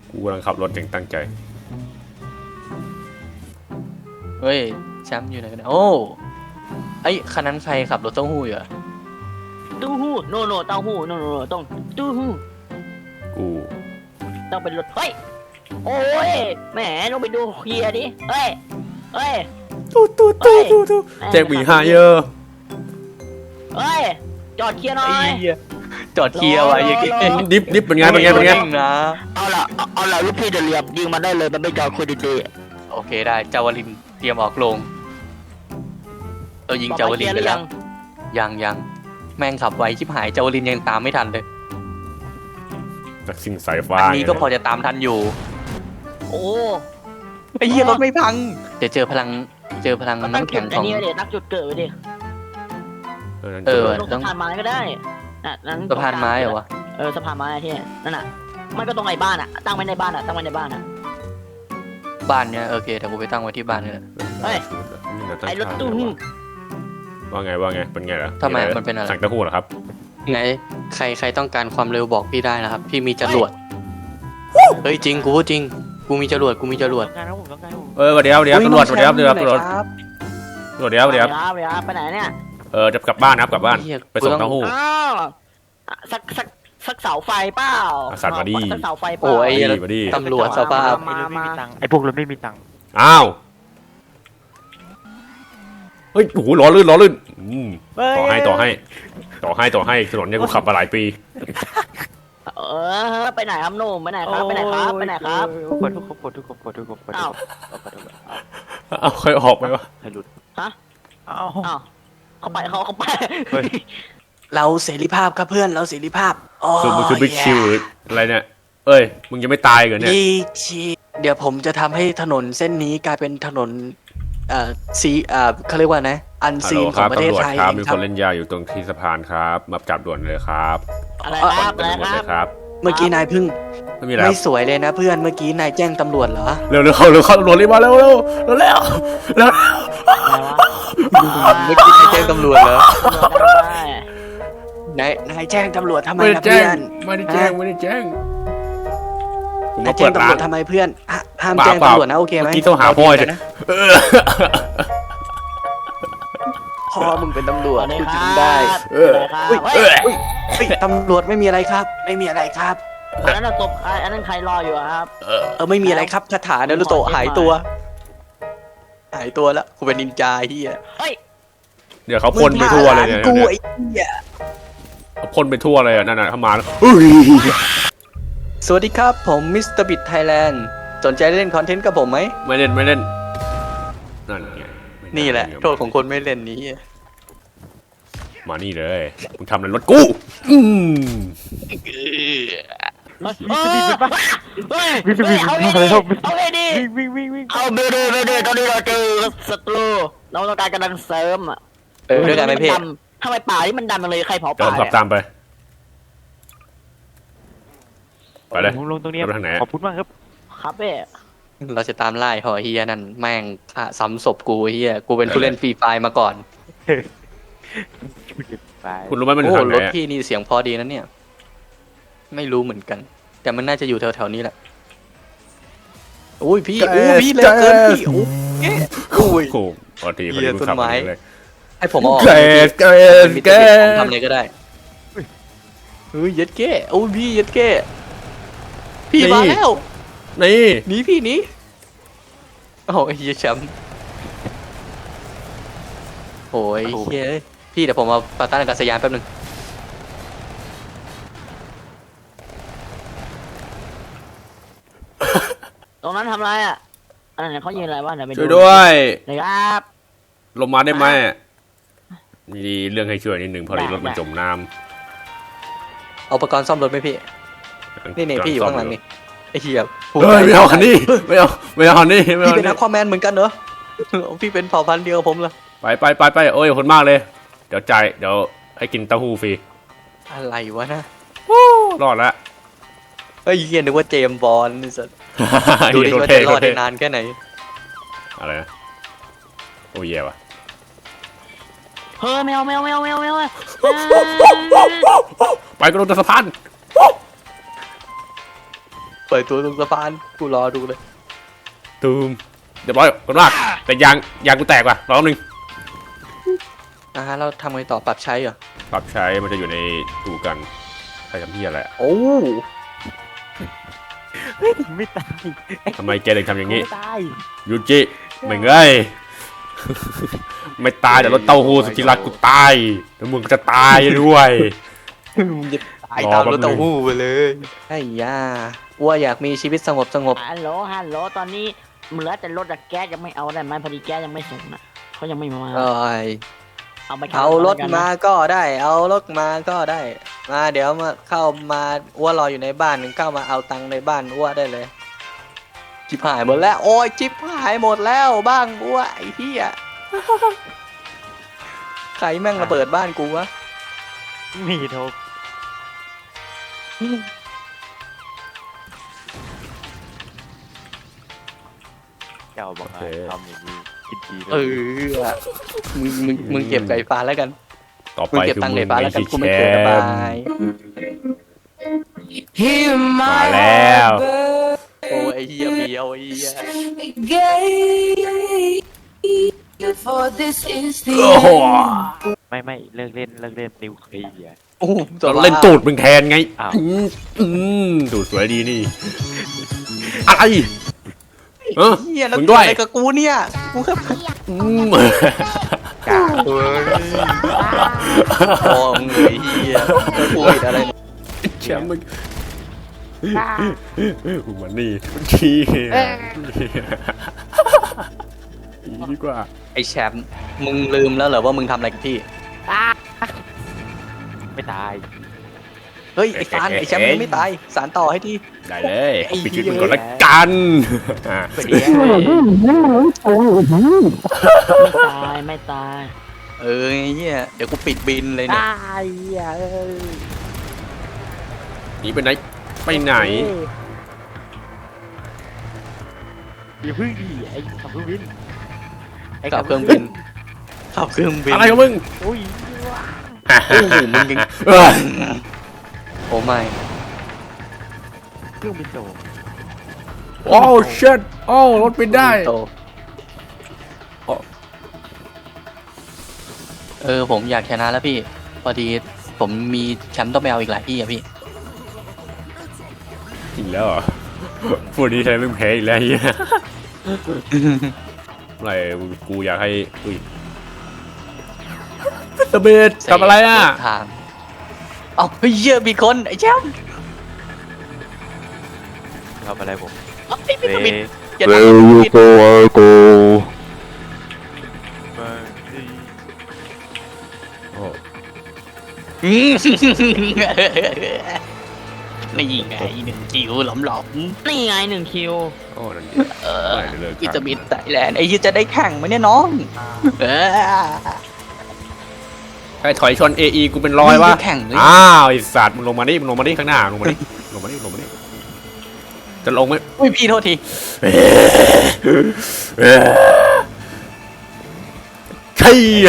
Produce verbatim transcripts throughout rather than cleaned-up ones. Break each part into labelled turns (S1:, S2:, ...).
S1: กูกำลังขับรถอย่างตั้งใจ
S2: เฮ้ยแชมป์อยู่ไหนกันเนี่ยโอ้ไอ้คันนั้นใครขับรถเต้าหู้อยู่อะ
S3: เต้าหู้โนโนเต้าหู้โนโนโนต้องเต้าหู้
S1: กู
S3: ต้องเป็นรถเฮ้ยโอ้ยแหมลงไปดูเคลียร์ดิเฮ้ยเฮ้ย
S1: ตู้ตู้ตู้ตู้ตู้แจ็คบีฮาเยอะ
S3: เฮ้ยจอดเคลียร์หน่อย
S2: จอดเคลียร์ไว้ยังไง
S1: ดิฟดิฟเป็นไงเป็นไงเป็นไง
S2: นะ
S3: เอาละเอาละลูกพี่จะเรียบยิงมันได้เลยมันไม่จอดคุยดี
S2: ๆโอเคได้เจ้าวลินเตรียมออกโรงเรายิงเจ้าวลินไปแล้วยังยังแม่งขับไวชิบหายเจ้าวลินยังตามไม่ทันเลย
S1: จากสิ่งสายฟ้า
S2: อันนี้ก็พอจะตามทันอยู่
S3: โอ้
S2: ไอ้เหี้ยรถไม่พังเดี๋ยวเจอพลังเจอพลังน้ำแข็งของ
S3: นี่เดี๋ยวนักจุดเกิดไปดิ
S2: เออ
S3: สะพานไม้ก็ได้นั้น
S2: สะพานไม้เหรอวะ
S3: เออสะพานไม้ที่นั่นน่ะมันก็ตรงไหนบ้านอ่ะตั้งไว้ในบ้านอ่ะตั้งไว้ในบ้านอ่ะ
S2: บ้านเนี่ยโอเคแต่กูไปตั้งไว้ที่บ้านนี่แหละ
S3: เฮ้ยไอ้รถตู้
S1: ว่าไงว่าไงเป็นไงล่ะ
S2: ทำไมมันเป็นอะไร
S1: สั่งเต้าหู้เหรอครับ
S2: ไงใครใครต้องการความเร็วบอกพี่ได้นะครับพี่มีจรวดเฮ้ยจริงกูพูดจริงกูมีจรวดกูมีจรวด
S1: เออเดี๋ยวเดี๋ยวตำรวจเดี๋ยวเดี๋ยวตำรวจตำรวจเดี๋ยวเดี๋ยว
S3: ไปไหนเนี่ย
S1: เออจะกลับบ้านนะครับกลับบ้านไปส่งเต้าหู้
S3: สักสักสักเสาไฟเปล่า
S1: สัตว์มาดิ
S3: สักเสาไฟเปล่า
S2: โอ้ยตำรวจสภาพ
S4: ไอ้พวกรถไม่มีตังค์
S1: อ้าวเฮ้ยโอ้โหล้อลื่นล้อลื่นต่อให้ต่อให้ต่อให้ต่อให้ถนนเนี่ยกูขับมาหลายปี
S3: เออไปไหนครับหนุ่มไปไหนครับไปไหนครับไปไหนครับ
S4: กดทุกคนกดทุกคนกดทุกคนกด
S3: อ้าว
S1: เอาใครออกไปวะ
S4: ใครหลุด
S3: ฮะ
S4: อ้าว
S3: อ้าวเขาไปเขาเขาไป
S2: เราเสรีภาพครับเพื่อนเราเสรีภาพ
S1: คือมันคือบิ๊กชิวอะไรเนี่ยเอ้ยมึงยังไม่ตายกันเนี่ย
S2: บิ๊กชิวเดี๋ยวผมจะทำให้ถนนเส้นนี้กลายเป็นถนนเอ่อซีเอ่อเขาเรียกว่านะอันซีนของประเทศไทย
S1: ครับมีคนเล่นยาอยู่ตรงที่สะพานครับมาจับด่วนเลยครับ
S3: อะไรครับอะไร
S1: ครับ
S2: เมื่อกี้นายพึ่ง
S1: ไม่มีอะไร
S2: ไม่สวยเลยนะเพื่อนเมื่อกี้นายแจ้งตำรวจเหรอ
S1: เร็วเร็วเข้าเร็วเข้าตำรวจรีบมาเร็วเร็วเร็วเร็วเร็ว
S2: เมื่อกี้นายแจ้งตำรวจเหรอนายนายแจ้งตำรวจทำไมนะเพื่อน
S1: ไม่ได้แจ้งไม่ได้แจ้ง
S2: นายแจ้งตำรวจทำไมเพื่อนห้ามแจ้งตำรวจนะโอเคไหม
S1: เมื่อกี้ต้องหาพ่อเลยนะ
S2: พ่อมึงเป็นตำรวจกูจำได้
S3: เออ
S2: ตำรวจไม่มีอะไรครับไม่มีอะไรครับ
S3: อันนั้นตบใครอันนั้นใครรออยู่ครับ
S2: เออไม่มีอะไรครับคาถาเนรุโตะหายตัวหายตัวแล้วกูเป็นนินจาเฮีย
S3: เฮ้ย
S1: เดี๋ยวเขาพ่นไปทั่วเลยเนี่ย
S2: กูไอ้เฮีย
S1: เขาพ่นไปทั่วเลยอ่ะนั่นน่ะเข้ามา
S2: สวัสดีครับผมมิสเตอร์บิทไทยแลนด์สนใจเล่นคอนเทนต์กับผมไหม
S1: ไม่เล่นไม่เล่นนั่นไง
S2: นี่แหละโทษของคนไม่เล่นนี้
S1: มานี่เลยมึงทำอะไรรถกูอืม
S3: วิสบิดปะวิสบิดเอาเลยเอาเลยดิวิ่งวิ่งวิ่งเอาเบเดเบเดตอนนี้เราเจอศัตรูเราต้องการกำลังเสริมอ่ะ
S2: เออด้วยกันไหมพี่
S3: ทำไมป่าที่มันดำมาเลยใครเผาป่า
S1: ขับตามไปไปเลย
S4: ลงตรงนี้ขอบคุณมากครับ
S3: ครับเป้
S2: เราจะตามไล่หอเฮียนั่นแม่งซ้ำศพกูเฮียกูเป็นผู้เล่นฟรีไฟมาก่อน
S1: คุณรู้ไหมมัน
S2: โอ้รถพี่นี่เสียงพอดีนะเนี่ยไม่รู้เหมือนกันแต่มันน่าจะอยู่แถวๆนี้แหละโอ้ยพี่โอ้พี่เร็วเกินพี่โอ้ย
S1: โอ้ยพอดีพอดี
S2: ต้นไม้ให้ผมออก
S1: เกสเกสเกส
S2: ทำอะไรก็ได้เฮ้ยยัดเก้โอ้ยพี่ยัดเก้พี่มาแล้ว
S1: นี่
S2: หนีพี่หนีโอ้ยเฮียแชมป์โอ้ยเฮียพี่เดี๋ยวผมมาปาต้านอากาศยานแป๊บนึง
S3: ตรงนั้นทำไรอ่ะอันนั้นเขายิงอะไรวะ
S1: ช่วยด้วย
S3: นะครับ
S1: ลงมาได้ไหมมีเรื่องให้ช่วยนิดหนึ่งพอดีรถมันจมน้
S2: ำเอาอุปกรณ์ซ่อมรถไหมพี่นี่นี่พี่อยู่ข้างหลังนี่ไอ้เหี้ย
S1: เฮ้ยไม่เอาคันนี้ไม่เอาไม่เอาคันนี้
S2: พี่เป็นนักคอมแมนเหมือนกันเหรอพี่เป็นเผ่าพันธุ์เดียวผมเหรอ
S1: ไปไปไปไปโอ้ยขอบคุณมากเลยเดี๋ยวจ่ายเดี๋ยวให้กินเต้าหู้ฟรี
S2: อะไรวะนะ
S1: รอดละ
S2: เฮ้ยเฮียนึกว่าเจมบอลนี่สัสดูดิว่าจะรอดได้นานแค่ไหน
S1: อะไรนะโอ้ยแย่ว่ะ
S3: เฮ้ยไม่เอาไม่เอาไม่เอาไม่เอาไม่เอา
S1: ไปกระโดดสะพาน
S2: เปิดตัวตรงสะพานกูรอดูเลย
S1: ตูมเรียบร้อยคนมากแต่ยางยางกูแตกว่ะรอบนึง
S2: อ่าเราทำไงต่อปรับใช้เหรอ
S1: ปรับใช้มันจะอยู่ในตู้กันใครทำที่อะไรอะ
S2: โอ้
S4: ไม่ตาย
S1: ทำไมแกถึงทำอย่างนี้
S4: ไม่ตาย
S1: ยูจิไม่เงย ไม่ตายแต่รถเต้าหู้สุดที่รักกูตายแล้วมึงก็จะตายด้วย
S2: มึงจะตายตามรถเต้าหู้ไปเลยไอ้ย่าว่าอยากมีชีวิตสงบสงบ
S3: ฮัลโหลฮัลโหลตอนนี้เหลือแต่รถอะแก๊สยังไม่เอาได้ไหมพอดีแก๊สยังไม่ส่งนะเขายังไม่มา
S2: เอ้ย
S3: เอาไป
S2: เอารถมาก็ได้ เอารถมาก็ได้ มาเดี๋ยวมาเข้ามาอ้วรออยู่ในบ้านเข้ามาเอาตังค์ในบ้านอ้วได้เลยจิบหายหมดแล้วโอ้ยจิบหายหมดแล้วบ้างอ้วไอ้เหี้ยใครแม่งระเบิดบ้านกูวะ
S4: มีโทบเจ้าบอกให้ทำอย่างนี้กินดี
S2: เออมึงมึงมึงเก็บไก่ฟ้าแล้วกัน
S1: ต่อ
S2: มึง
S1: ไป
S2: เก็บ
S1: คือ
S2: ตังค์
S1: มึ
S2: ไก่
S1: ง
S2: ฟ้า
S1: ไม่
S2: แล้วกั
S1: ใช่
S2: นกู
S1: แช
S2: ไม่เกิดบาม
S1: ป์
S2: ย
S1: มาแล้ว
S2: โอ้ยไอ้เหี้ยเบียวไอ้เหี้ย
S5: For this is the
S1: โอ้โห
S4: ไม่ไม่เลิกเล่นเลิกเล่นนิวเคลียร์
S2: โอ้โห
S1: เราเล่นตูดมึงแทนไง
S4: อ้าว
S1: อืมอืมตูดสวยดีนี่อะไรเออ
S2: เหี้ยแล้ว
S1: มึง
S2: กู
S1: ด้วย
S2: อะไรกับกูเนี่ยกูแค่
S1: อืม
S2: กาเฮ้ยโอ้มึงไอ้เหี้ยแล้วกูผิดอะไรเนี่ย
S1: แชมป์มึงมึงมันนี่มันขี้อีดีกว่า
S2: ไอ้แชมป์มึงลืมแล้วเหรอว่ามึงทำอะไรกับพี่
S4: ไม่ตาย
S2: เฮ้ยไอ้ฟานไอ้แชมป์มึงไม่ตายสารต่อให้ที
S1: ได้เลย
S2: ไอ้
S1: ปิดชีวิต
S2: เหี้ย
S1: มึงก่อนละกันอ่ะ
S4: เดี๋ยว
S3: ไม่ตายไม่ตาย
S2: เออไอ้เหี้ยเดี๋ยวกูปิดบินเลยเนี่ย
S3: ตายอ่ะเอ้ย
S1: หนีไปไหนไปไหน
S4: อย่าพึ่งดิไอ้ขับเครื่องบินไอ้
S2: ขับเครื่องบินขับเครื่องบิน
S1: อะไรของมึง
S4: โอ้ย
S2: โอ้โหมึงยัง
S1: เออ
S2: โอ้ไม่
S4: เครื่องบินโต
S1: โอ้เชิดโอ้รถบินได้
S2: โตเออผมอยากชนะแล้วพี่ พอดีผมมีแชมป์ต้องไปเอาอีกหลายที่อะพี่
S1: อีกแล้วเหรอพูดนี้ใช้มึงแพ้อีกแล้วเฮียอะไรกูอยากให้อุ้ยตะเบดทำอะไรอ่ะ
S2: ทางเอาเฮ้ยเหี้ยมีคนไอ้แชมป์
S4: ทำอะไรผม
S2: เอาไม่ไม่
S4: เว
S2: ไม่อย่า
S6: There you go, I go.
S4: มาดี
S1: โอ้
S2: อืมนี่ไงหนึ่งคิวหลอมหลอม
S3: นี่ไงหนึ่งคิว
S1: โอ้นั่นดิ
S2: เออ
S1: ไม่ได้เลิก
S2: อิตาบิดไทยแลนด์ไอ้ยี่จะได้แข่งไหมเนี่ยน้องเออ
S1: ใครถอยชน เอ อี กูเป็นร้อยวะ
S2: มึงจะแข่งหรือ
S1: อ้าวไอสัตว์มึงลงมาดิมึงลงมาดิข้างหน้าลงมาดิลงมาดิลงมาดิจะลงไหม
S2: อุ้ยพี่โทษที
S1: ใช่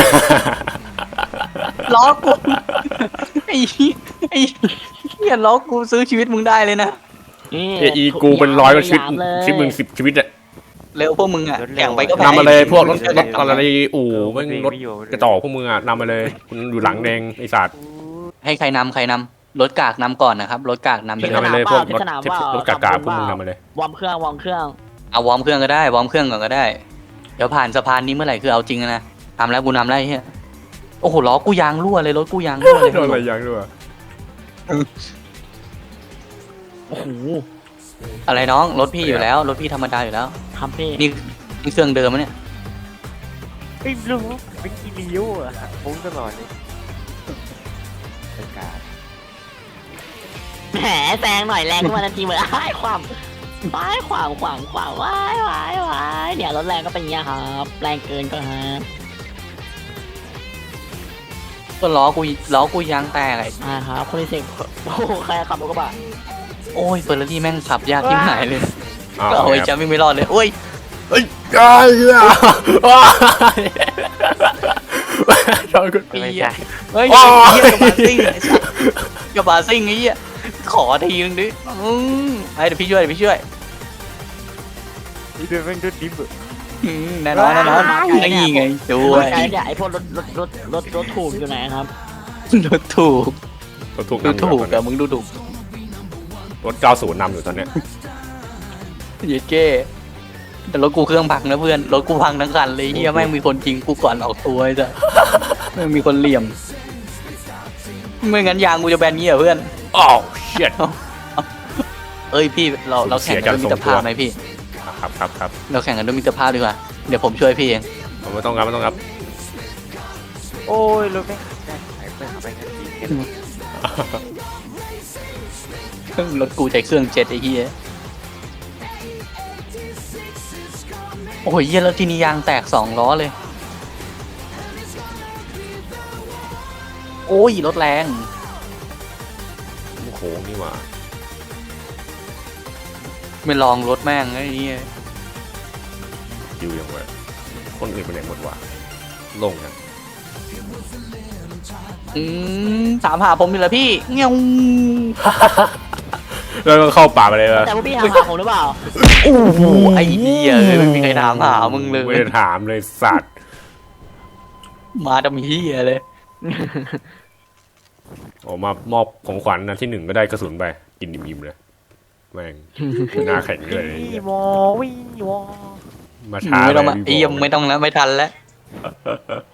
S2: ล้อกูไอ้เหี้ยไอ้เหี้ยล้อกูซื้อชีวิตมึงได้เลยนะ
S3: นี่
S1: เอ อี กูเป็นร้อยก็ชีวิต
S3: หยามเลย
S1: ชีวิตมึงสิบชีวิตอะ
S2: เร็วพวกมึงอ่ะแข่งไปก็แพ้
S1: นำมาเลยพวกรถรถ
S2: เ
S1: อะไรอู่แม่งรถกระจอกพวกมึงอะนำมาเลยคุณอยู่หลังแดงไอสัตว์
S2: ให้ใครนำใครนำรถกากนำก่อนนะครับรถกากนำไป
S1: นำ
S2: เล
S1: มาย เลยพวกรถ
S3: สนามว่าร
S1: ถกากาพวกมึงนำมาเลย
S3: วอร์มเครื่องวอร์มเครื่อง
S2: เอาวอร์มเครื่องก็ได้วอร์มเครื่องก่อนก็ได้ เดี๋ยวผ่านสะพานนี้เมื่อไหร่คือเอาจริงนะทำแล้วกูนำแล้วไอ้เฮียโอ้โหล้อกูยางรั่วเลยรถกูยางรั่วเลย
S1: โดนอะไรยังด้วย
S3: โอ้โห
S2: อะไรน้องรถพี่อยู่แล้วรถพี่ธรรมดาอยู่แล้ว
S3: ครับพี่
S2: นี่นี่เครื่องเดิมมะเนี่ย
S4: ไอ้ลูกเป็นกีเลียวอะผมตลอดเลยเป็นการ
S3: แหมแซงหน่อยแรงขึ้นมาทันทีเหมือนไอ้ายความไอ้ายขวางขวางขวางว้ายว้ายว้ายเนี่ยรถแรงก็เป็นอย่างเงี้ยครับแรงเกินก็ฮะ
S2: ก็ล้อกูล้อกูยางแตกไอ้
S3: อ่าครับคนที่เสกโอ้โหใครขับรถกระบะ
S2: โอ้ยเฟอร์รารี่แม่งขับยากที่หายเลย
S1: อ้าว
S2: ก็เอาไอ้แชมป์ไม่รอดเลยโอ้ย
S1: เฮ้ยไอ้เหี้ยชอบกู
S2: ปี
S4: ไม่
S2: อะ
S4: ใช่
S2: เฮ้ย
S1: โอ้ย
S2: เหี้ยกระบะซิ่งไอ้สัสกระบะซิ่งไอ้เหี้ยขอทีนึงดิอืมไอ้เดี๋ยวพี่ช่วยเดี๋ยวพี่ช่วย
S4: นี่เป็นแม่งด้วยดิบอะ
S2: อืมแน่นอนแน่นอนนี่ไงช่วย
S3: ไอ้เนี่ยไอ้พวกรถรถรถรถรถถูกอยู่ไหนครับ
S2: ดูถูก
S1: รถถูก
S2: ดู
S1: นำอยู่
S2: ถูก
S1: ตอน
S2: อะ
S1: เนี้ย
S2: มึงดูถูก
S1: รถเก้าศูนย์นำอยู่ตอนเนี้ย
S2: เย็ดเก้แต่รถกูเครื่องพังนะเพื่อนรถกูพังทั้งคันเลยเฮียแม่งมีคนจริงกูก่อนออกตัวไอ้จ้ะแม่งมีคนเหลี่ยมไม่งั้นยางกูจะแบนเงี้ยเพื่อน
S1: อ้าวเชียด
S2: เอ้ยพี่เราเราแข่งกันด้วยมิตรภาพไหมพี่
S1: ครับครับครับ
S2: เราแข่งกันด้วยมิตรภาพดีกว่าเดี๋ยวผมช่วยพี่เอง
S1: เอาไม่ต้องครับไม่ต้องครับ
S4: โอ้ยรถแม่งได้หายไปหาไปกันทีกัน
S2: รถกูใช้เครื่องเจ็ดไอ้เฮียโอ้ยเฮียแล้วทีนี้ยางแตกสองล้อเลย โอ้ยรถแรง
S1: โค้งนี่หว่า
S2: ไม่ลองรถแม่งไอ้เฮีย
S1: คิวยังไงคนอื่นไปไหนหมดวะโล่งนะ
S2: อืมถามหาผมอยู่แล้วพี่เงี้ยว
S1: แล้วก็เข้าป่าไปเลยว่ะ
S3: แต่พวกพี่ถามหาผมหรือเปล่า
S2: โอ้โหไอ้เหี้ยเอ้ยไม่มีใครถามหามึงเลย
S1: ไม่ได้ถามเลยสัตว์
S2: มาดำเหี้ยเลย
S1: ออกมามอบของขวัญนะที่หนึ่งก็ได้กระสุนไปกินอิ่มๆเลยแม่งหน้าแข็งเลยไอ้
S4: วี
S1: เหี้ยว
S4: อวีวอ
S1: มาช้า
S2: ไม่ต้องมา
S1: เลย
S2: เอี่ยมไม่ต้องแล้วไม่ทันแล้ว